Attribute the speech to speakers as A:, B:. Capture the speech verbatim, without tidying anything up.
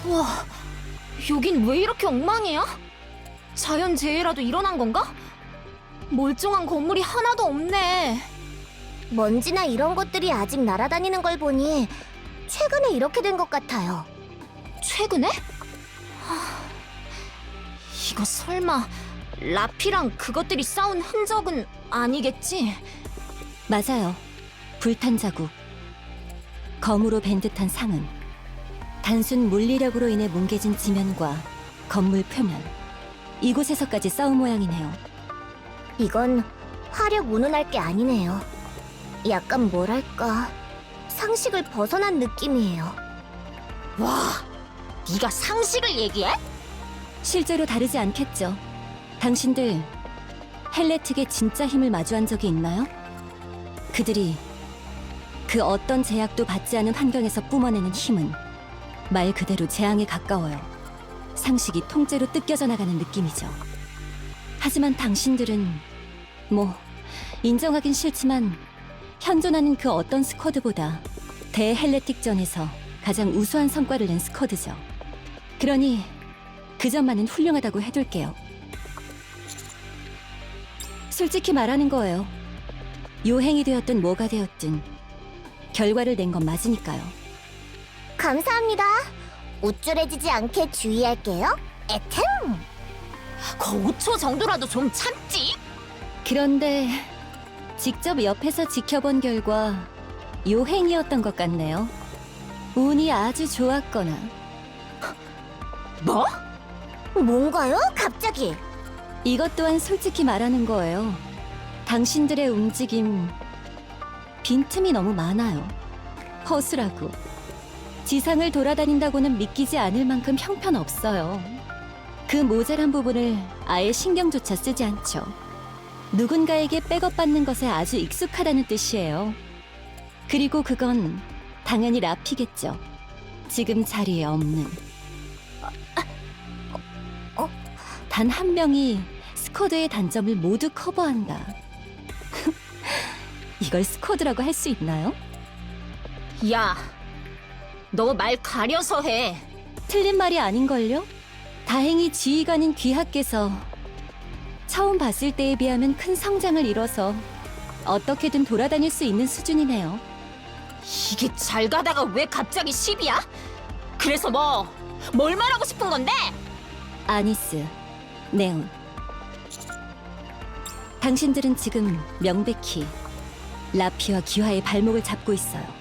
A: 와, 여긴 왜 이렇게 엉망이야? 자연재해라도 일어난 건가? 멀쩡한 건물이 하나도 없네.
B: 먼지나 이런 것들이 아직 날아다니는 걸 보니 최근에 이렇게 된 것 같아요.
A: 최근에? 하... 이거 설마 라피랑 그것들이 싸운 흔적은 아니겠지?
C: 맞아요. 불탄 자국. 검으로 밴 듯한 상은 단순 물리력으로 인해 뭉개진 지면과 건물 표면, 이곳에서까지 싸운 모양이네요.
B: 이건 화력 운운할 게 아니네요. 약간 뭐랄까 상식을 벗어난 느낌이에요.
A: 와, 네가 상식을 얘기해?
C: 실제로 다르지 않겠죠. 당신들 헬레틱의 진짜 힘을 마주한 적이 있나요? 그들이 그 어떤 제약도 받지 않은 환경에서 뿜어내는 힘은 말 그대로 재앙에 가까워요. 상식이 통째로 뜯겨져 나가는 느낌이죠. 하지만 당신들은 뭐 인정하긴 싫지만 현존하는 그 어떤 스쿼드보다 대헬레틱전에서 가장 우수한 성과를 낸 스쿼드죠. 그러니 그 점만은 훌륭하다고 해둘게요. 솔직히 말하는 거예요. 요행이 되었든 뭐가 되었든 결과를 낸 건 맞으니까요.
B: 감사합니다. 우쭐해지지 않게 주의할게요. 에템!
A: 그 오 초 정도라도 좀 참지?
C: 그런데 직접 옆에서 지켜본 결과 요행이었던 것 같네요. 운이 아주 좋았거나.
A: 뭐?
B: 뭔가요? 갑자기?
C: 이것 또한 솔직히 말하는 거예요. 당신들의 움직임 빈틈이 너무 많아요. 허술하고 지상을 돌아다닌다고는 믿기지 않을 만큼 형편없어요. 그 모자란 부분을 아예 신경조차 쓰지 않죠. 누군가에게 백업받는 것에 아주 익숙하다는 뜻이에요. 그리고 그건 당연히 라피겠죠. 지금 자리에 없는.
B: 어?
C: 단 한 명이 스쿼드의 단점을 모두 커버한다. 이걸 스쿼드라고 할 수 있나요?
A: 야, 너 말 가려서 해.
C: 틀린 말이 아닌걸요? 다행히 지휘관인 귀하께서 처음 봤을 때에 비하면 큰 성장을 이뤄서 어떻게든 돌아다닐 수 있는 수준이네요.
A: 이게 잘 가다가 왜 갑자기 십이야? 그래서 뭐, 뭘 말하고 싶은 건데?
C: 아니스, 네온. 당신들은 지금 명백히 라피와 기화의 발목을 잡고 있어요.